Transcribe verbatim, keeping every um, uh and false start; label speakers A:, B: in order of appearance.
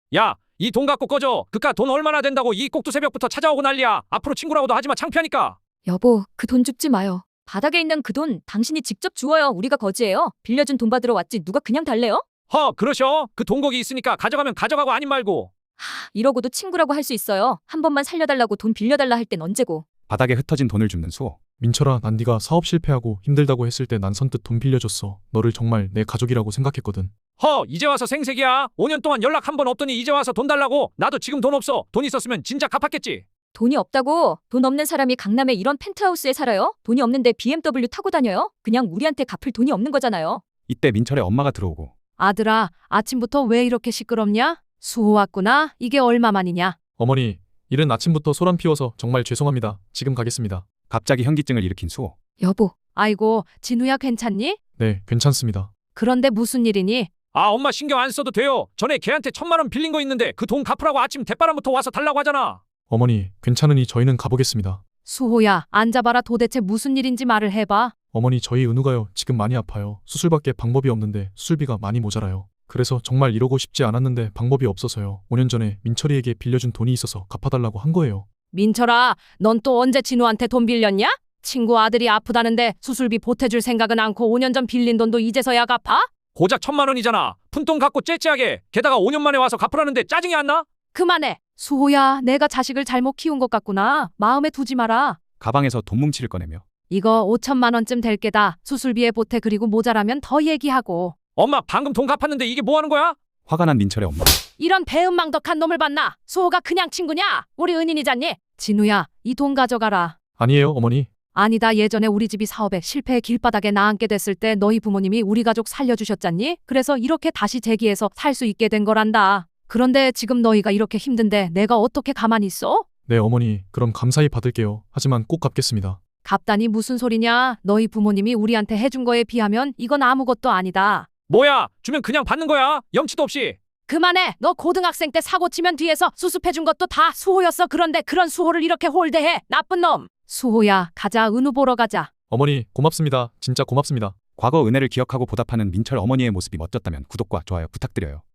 A: 야, 이 돈 갖고 꺼져. 그깟 돈 얼마나 된다고 이 꼭두 새벽부터 찾아오고 난리야. 앞으로 친구라고도 하지마. 창피하니까.
B: 여보, 그 돈 줍지 마요. 바닥에 있는 그 돈 당신이 직접 주어요. 우리가 거지예요. 빌려준 돈 받으러 왔지 누가 그냥 달래요?
A: 허, 그러셔? 그 돈 거기 있으니까 가져가면 가져가고 아님 말고.
B: 이러고도 친구라고 할 수 있어요. 한 번만 살려달라고 돈 빌려달라 할 땐 언제고.
C: 바닥에 흩어진 돈을 줍는 수호.
D: 민철아, 난 네가 사업 실패하고 힘들다고 했을 때 난 선뜻 돈 빌려줬어. 너를 정말 내 가족이라고 생각했거든.
A: 허, 이제 와서 생색이야. 오 년 동안 연락 한 번 없더니 이제 와서 돈 달라고. 나도 지금 돈 없어. 돈 있었으면 진작 갚았겠지.
B: 돈이 없다고? 돈 없는 사람이 강남에 이런 펜트하우스에 살아요? 돈이 없는데 비엠더블유 타고 다녀요? 그냥 우리한테 갚을 돈이 없는 거잖아요.
C: 이때 민철의 엄마가 들어오고.
E: 아들아, 아침부터 왜 이렇게 시끄럽냐? 수호 왔구나. 이게 얼마만이냐?
D: 어머니, 이른 아침부터 소란 피워서 정말 죄송합니다. 지금 가겠습니다.
C: 갑자기 현기증을 일으킨 수호.
B: 여보,
E: 아이고, 진우야 괜찮니?
D: 네, 괜찮습니다.
E: 그런데 무슨 일이니?
A: 아, 엄마 신경 안 써도 돼요. 전에 걔한테 천만 원 빌린 거 있는데 그 돈 갚으라고 아침 대바람부터 와서 달라고 하잖아.
D: 어머니, 괜찮으니 저희는 가보겠습니다.
E: 수호야, 앉아봐라. 도대체 무슨 일인지 말을 해봐.
D: 어머니, 저희 은우가요. 지금 많이 아파요. 수술밖에 방법이 없는데 수술비가 많이 모자라요. 그래서 정말 이러고 싶지 않았는데 방법이 없어서요. 오 년 전에 민철이에게 빌려준 돈이 있어서 갚아달라고 한 거예요.
E: 민철아, 넌 또 언제 진우한테 돈 빌렸냐? 친구 아들이 아프다는데 수술비 보태줄 생각은 않고 오 년 전 빌린 돈도 이제서야 갚아?
A: 고작 천만 원이잖아. 푼돈 갖고 째째하게. 게다가 오 년 만에 와서 갚으라는데 짜증이 안 나?
E: 그만해. 수호야, 내가 자식을 잘못 키운 것 같구나. 마음에 두지 마라.
C: 가방에서 돈 뭉치를 꺼내며.
E: 이거 오천만 원쯤 될 게다. 수술비에 보태. 그리고 모자라면 더 얘기하고.
A: 엄마 방금 돈 갚았는데 이게 뭐 하는 거야?
C: 화가 난 민철의 엄마.
E: 이런 배은망덕한 놈을 봤나? 수호가 그냥 친구냐? 우리 은인이잖니? 진우야, 이 돈 가져가라.
D: 아니에요, 어머니.
E: 아니다. 예전에 우리 집이 사업에 실패해 길바닥에 나앉게 됐을 때 너희 부모님이 우리 가족 살려주셨잖니? 그래서 이렇게 다시 재기해서 살 수 있게 된 거란다. 그런데 지금 너희가 이렇게 힘든데 내가 어떻게 가만히 있어?
D: 네, 어머니. 그럼 감사히 받을게요. 하지만 꼭 갚겠습니다.
E: 갚다니 무슨 소리냐? 너희 부모님이 우리한테 해준 거에 비하면 이건 아무것도 아니다.
A: 뭐야? 주면 그냥 받는 거야. 염치도 없이.
E: 그만해. 너 고등학생 때 사고 치면 뒤에서 수습해준 것도 다 수호였어. 그런데 그런 수호를 이렇게 홀대해. 나쁜 놈. 수호야, 가자. 은우 보러 가자.
D: 어머니, 고맙습니다. 진짜 고맙습니다.
C: 과거 은혜를 기억하고 보답하는 민철 어머니의 모습이 멋졌다면 구독과 좋아요 부탁드려요.